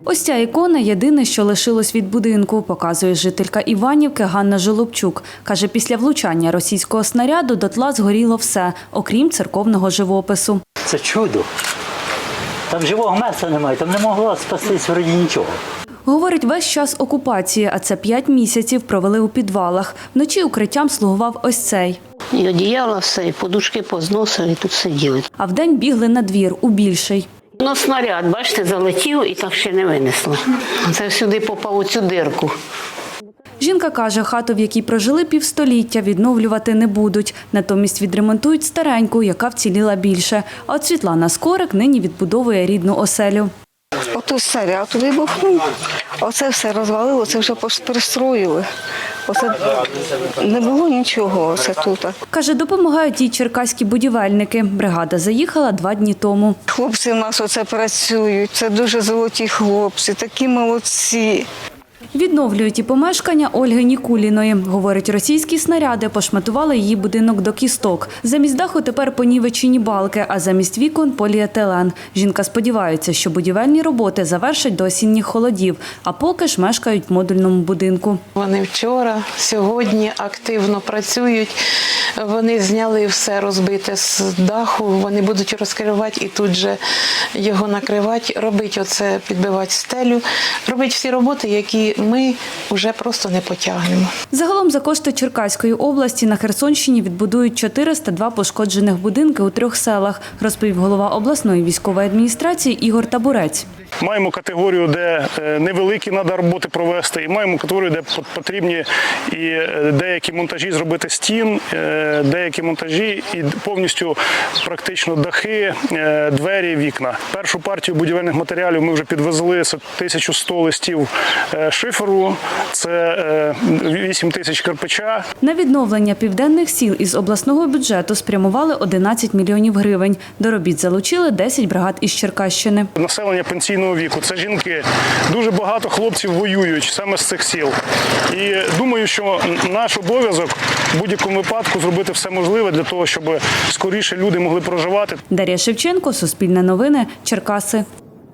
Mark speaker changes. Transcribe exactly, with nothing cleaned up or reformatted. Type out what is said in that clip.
Speaker 1: Ось ця ікона – єдине, що лишилось від будинку, показує жителька Іванівки Ганна Жолобчук. Каже, після влучання російського снаряду дотла згоріло все, окрім церковного живопису.
Speaker 2: Це чудо. Там живого місця немає, там не могло спастись вроді нічого.
Speaker 1: Говорить, весь час окупації, а це п'ять місяців, провели у підвалах. Вночі укриттям слугував ось цей.
Speaker 3: І одіяло все, і подушки позносили, і тут сиділи.
Speaker 1: А вдень бігли на двір, у більший.
Speaker 3: Ну, снаряд, бачите, залетів і так ще не винесло. Це сюди попав у цю дирку.
Speaker 1: Жінка каже, хату, в якій прожили півстоліття, відновлювати не будуть. Натомість відремонтують стареньку, яка вціліла більше. А от Світлана Скорик нині відбудовує рідну оселю.
Speaker 4: Ото снаряд вибухнув, оце все розвалило, це вже перестроїли. Оце не було нічого оце тут.
Speaker 1: Каже, допомагають їй черкаські будівельники. Бригада заїхала два дні тому.
Speaker 4: Хлопці в нас оце працюють, це дуже золоті хлопці, такі молодці.
Speaker 1: Відновлюють і помешкання Ольги Нікуліної. Говорить, російські снаряди пошматували її будинок до кісток. Замість даху тепер понівечені балки, а замість вікон – поліетилен. Жінка сподівається, що будівельні роботи завершать до осінніх холодів, а поки ж мешкають в модульному будинку.
Speaker 5: Вони вчора, сьогодні активно працюють. Вони зняли все розбите з даху, вони будуть розкривати і тут же його накривати, робити оце, підбивати стелю, робити всі роботи, які ми вже просто не потягнемо.
Speaker 1: Загалом за кошти Черкаської області на Херсонщині відбудують чотириста два пошкоджених будинки у трьох селах, розповів голова обласної військової адміністрації Ігор Табурець.
Speaker 6: Маємо категорію, де невеликі треба роботи провести, і маємо категорію, де потрібні і деякі монтажі зробити стін, деякі монтажі і повністю практично дахи, двері, вікна. Першу партію будівельних матеріалів ми вже підвезли, це тисяча сто листів шиферу, це вісім тисяч кирпича.
Speaker 1: На відновлення південних сіл із обласного бюджету спрямували одинадцять мільйонів гривень. До робіт залучили десять бригад із Черкащини.
Speaker 6: Населення пенсійного віку, це жінки. Дуже багато хлопців воюють саме з цих сіл. І думаю, що наш обов'язок в будь-якому випадку зробити все можливе для того, щоб скоріше люди могли проживати.
Speaker 1: Дар'я Шевченко, Суспільне новини, Черкаси.